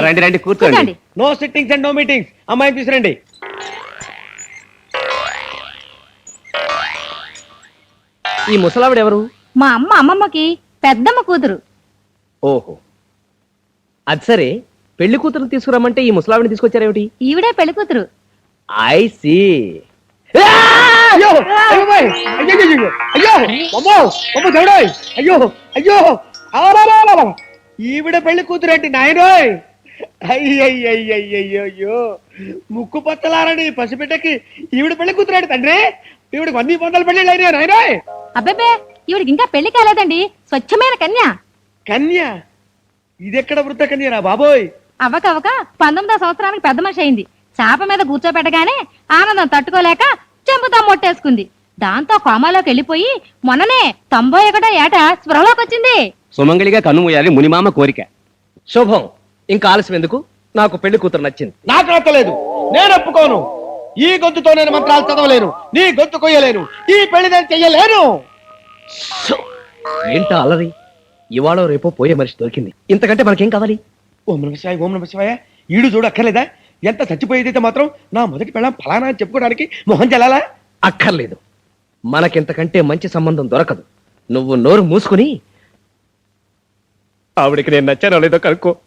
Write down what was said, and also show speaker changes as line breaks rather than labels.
రండి రండి కూర్చోండి.
కూర్చోండి.
No sittings and no meetings. అమ్మాయిని తీసురండి.
ఈ ముసలావిడ ఎవరు?
మా అమ్మమ్మకి పెద్దమ్మ కూతురు.
ఓహో, అది సరే. పెళ్లి కూతురు తీసుకురమ్మంటే ఈ ముసలావిడిని తీసుకొచ్చారేమిటి?
ఈవిడే పెళ్లి కూతురు.
I see.
అయ్యో అయ్యో బాయ్. అయ్యో అయ్యో అయ్యో అమ్మో అమ్మో దేవుడోయ్. అయ్యో అయ్యో ఆరారారా. ఈవిడ పెళ్లి కూతురేంటి నాయనోయ్. అయ్యయ్యయ్యయ్యో ముక్కు పచ్చలారని పసిబిడ్డకి ఈవిడ పెళ్లి కూతురేంటి తండ్రి. ఈవిడకి 100 పెళ్లి అయినాయి నాయనోయ్.
అబ్బేబే, ఈవిడికి ఇంకా పెళ్లి కాలేదండి. స్వచ్ఛమైన కన్య.
కన్య? ఇదెక్కడ వృద్ధ కన్యరా బాబోయ్.
అవ్వకవ్వక 19వ సంవత్సరానికి పెద్ద మనిషి అయింది. చాప మీద కూర్చోబెట్టగానే ఆనందం తట్టుకోలేక చెంపుతా మొట్టేసుకుంది. దాంతో కోమాలోకి వెళ్ళిపోయి మొన్ననే 91వ ఏట స్పృహలోకి వచ్చింది.
సుమంగళిగా కన్నుమూయాలి మునిమామ కోరిక. శుభం. ఇంకా ఆలస్యం ఎందుకు? నాకు పెళ్లి కూతురు నచ్చింది.
నాకు నచ్చలేదు. నేను ఒప్పుకోను. ఈ గొంతుతో నేను మంత్రాలు చదవలేను. నీ గొంతు కొయ్యలేను. ఈ పెళ్లి నేను చెయ్యలేను.
ఏంటా అలరి? ఇవాళ రేపో పోయే మనిషి దొరికింది. ఇంతకంటే మనకేం కావాలి?
ఓం నమ శివాయ, ఓం నమ శివాయ. ఈడు చూడు అక్కర్లేదా? ఎంత చచ్చిపోయేదైతే మాత్రం నా మొదటి పెళ్ళం ఫలానా అని చెప్పుకోవడానికి మొహం చెల్లాలా?
అక్కర్లేదు. మనకింతకంటే మంచి సంబంధం దొరకదు. నువ్వు నోరు మూసుకుని ఆవిడికి నేను నచ్చానో లేదో కనుక్కో.